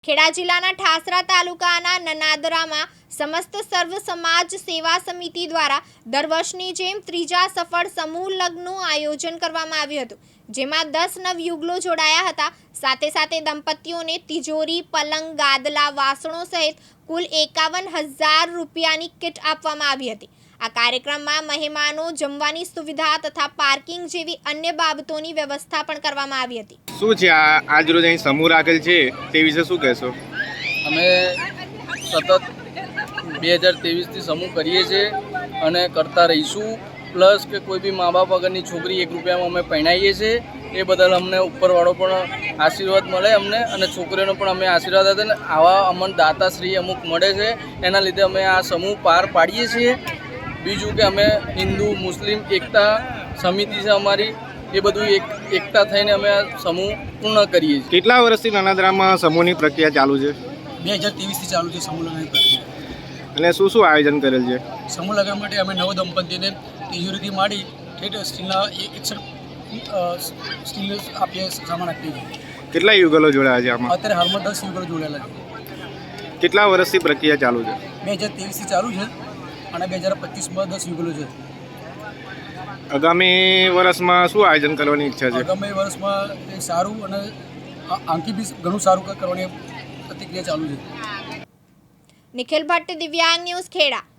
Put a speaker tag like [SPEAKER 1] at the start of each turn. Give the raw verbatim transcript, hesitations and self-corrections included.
[SPEAKER 1] ખેડા જિલ્લાના ઠાસરા તાલુકાના નનાદરામાં સમસ્ત સર્વ સમાજ સેવા સમિતિ દ્વારા દર વર્ષની જેમ ત્રીજા સફળ સમૂહ લગ્નનું આયોજન કરવામાં આવ્યું હતું, જેમાં દસ નવયુગલો જોડાયા હતા। સાથે સાથે દંપતીઓને તિજોરી, પલંગ, ગાદલા, વાસણો સહિત કુલ એકાવન હજાર રૂપિયાની કિટ આપવામાં આવી હતી। આ કાર્યક્રમમાં મહેમાનો જમવાની સુવિધા તથા પાર્કિંગ જેવી અન્ય બાબતોની વ્યવસ્થા પણ કરવામાં આવી હતી।
[SPEAKER 2] શું છે આ આજ રોજ અહીં સમૂહ રાખેલ છે તે વિશે શું કહેશો?
[SPEAKER 3] અમે સતત બે હજાર ત્રેવીસથી સમૂહ કરીએ છીએ અને કરતા રહીશું। પ્લસ કે કોઈ બી મા બાપ વગરની છોકરી એક રૂપિયામાં અમે પરણાવીએ છીએ, એ બદલ અમને ઉપરવાળો પણ આશીર્વાદ મળે અમને, અને છોકરીઓનો પણ અમે આશીર્વાદ આપે ને આવા અમને દાતાશ્રી અમુક મળે છે, એના લીધે અમે આ સમૂહ પાર પાડીએ છીએ। બીજું કે અમે હિન્દુ મુસ્લિમ એકતા સમિતિ છે અમારી, એ બધું એક એકતા થઈને અમે આ સમૂહ પૂર્ણ કરીએ છીએ।
[SPEAKER 2] કેટલા વર્ષથી નનાદરામાં સમૂહની પ્રક્રિયા ચાલુ છે?
[SPEAKER 4] બે હજાર ત્રેવીસથી ચાલુ છે સમૂહ લગ્નની પ્રક્રિયા।
[SPEAKER 2] અને શું શું આયોજન કરેલ છે?
[SPEAKER 4] સમૂહ લગ્ન માટે અમે નવ દંપતીને તિજોરીથી માંડી ઠેઠ સ્ટીલના એકસઠ સ્ટીલ આપીએ સામાન આપીએ છીએ।
[SPEAKER 2] કેટલા યુગલો જોડાયા છે આમાં?
[SPEAKER 4] અત્યારે હાલમાં દસ યુગલો જોડાયેલા છે।
[SPEAKER 2] કેટલા વર્ષથી પ્રક્રિયા ચાલુ છે?
[SPEAKER 4] બે હજાર ત્રેવીસથી ચાલુ છે અને બે હજાર પચીસમાં દસ યુગલો છે।
[SPEAKER 2] આગામી વર્ષમાં શું આયોજન કરવાની ઈચ્છા છે?
[SPEAKER 4] આગામી વર્ષમાં એ સારું અને આંકી બી ઘણું સારું કરવાની પ્રતિક્રિયા ચાલુ છે।
[SPEAKER 1] નિખિલ ભટ્ટ, દિવ્યાંગ ન્યૂઝ, ખેડા।